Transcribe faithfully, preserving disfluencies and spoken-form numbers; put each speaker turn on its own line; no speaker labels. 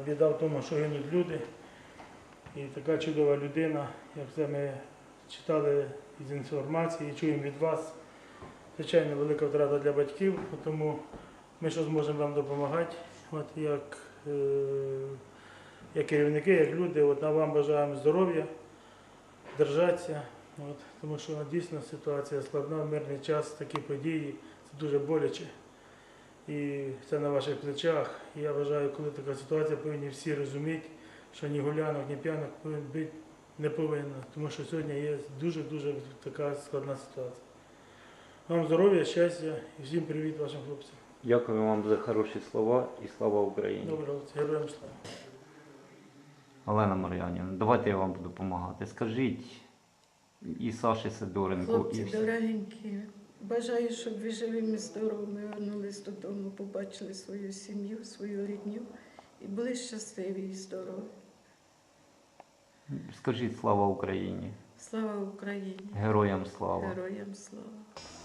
біда в тому, що гинуть люди. І така чудова людина, як це ми читали із інформації, чуємо від вас. Звичайно, велика втрата для батьків, тому ми що зможемо вам допомагати, от як, е, як керівники, як люди. От, вам бажаємо здоров'я, держатися, от, тому що дійсно ситуація складна, мирний час, такі події, це дуже боляче. І це на ваших плечах. І я вважаю, коли така ситуація, повинні всі розуміти, що ні гулянок, ні п'янок бути не повинно, тому що сьогодні є дуже-дуже така складна ситуація. Вам здоров'я, щастя і всім привіт вашим хлопцям.
Дякую вам за хороші слова і слава Україні.
Добре, хлопці, героям слава.
Олена Мар'янівна, давайте я вам буду допомагати. Скажіть і Саші Сидоренку,
Хлопці
і всі.
дорогенькі, бажаю, щоб ви живими, здоровими вернулись додому, побачили свою сім'ю, свою рідню і були щасливі і здорові.
Скажіть слава Україні.
Слава Україні!
Героям слава.
Героям слава!